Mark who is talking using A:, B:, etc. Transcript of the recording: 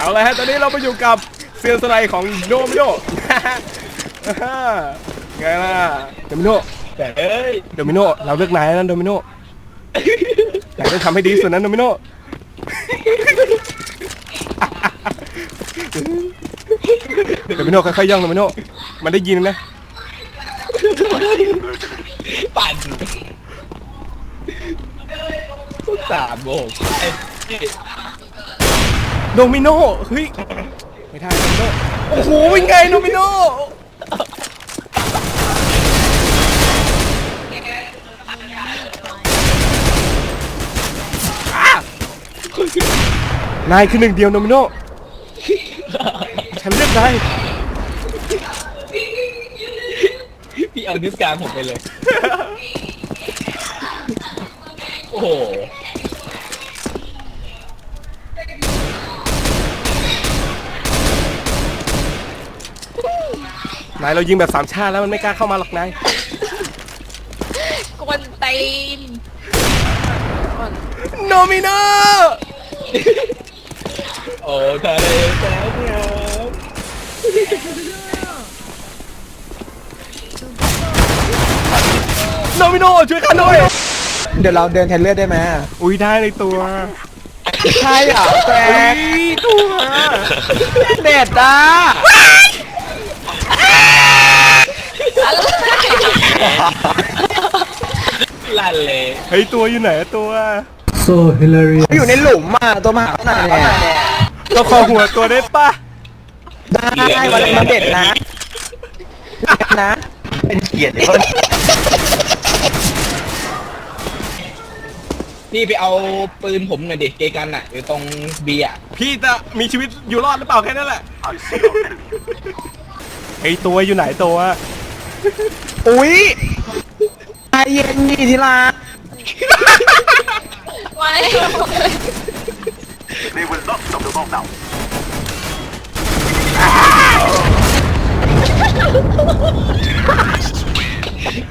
A: เอาเลยฮะตอนนี้เราไปอยู่กับเซียนสไลด์ของโดมิโนไงล่ะโดมิโน
B: แต่เอ้ย
A: โดมิโนเราเลือกนายนะโดมิโนนายต้องทำให้ดีสุดนะโดมิโนโดมิโนค่อยๆย่องโดมิโนมันได้ยินนะ
B: ปั่น3 โมง
A: โดมิโนเฮ้ยไม่ได้โดมิโนโอ้โหเป็นไงโดมิโนนายคือหนึ่งเดียวโดมิโนฉันเลือกนาย
B: พี่เอานิ้วกลางผมไปเลยโอ้โห
A: นายเรายิงแบบสามชาติแล้วมันไม่กล้าเข้ามาหรอกนาย
C: กวนตีน
A: โนมิโน
B: โอ้ทะเลแสนงาม
A: โนมิโนช่วยข้าหน่อย
D: เดี๋ยวเราเดินแทนเลือดได้ไหม
A: อุ้ยได้ในตัว
D: ใช่เหรอแฟน
A: ตัว
D: เด็ดอ่ะ
B: ลั่นเลย
A: เฮ้ยตัวอยู่ไหนตัว
D: so hilarious อยู่ในหลุมอ่ะตัวมหาขนาดเนี่ย
A: เราขอหัวตัวได้ปะ
D: ได้วันนี้มันเด็ดนะเป็นเกียรติเลย
B: พี่ไปเอาปืนผมหน่อยดิเกกันอ่ะอยู่ตรงเบียร์
A: พี่จะมีชีวิตอยู่รอดหรือเปล่าแค่นั้นแหละไอตัวอยู่ไหนตัว
D: อุ้ยใจเย็นนี่ทีละ
C: ไว้
E: They will not stop the bomb now.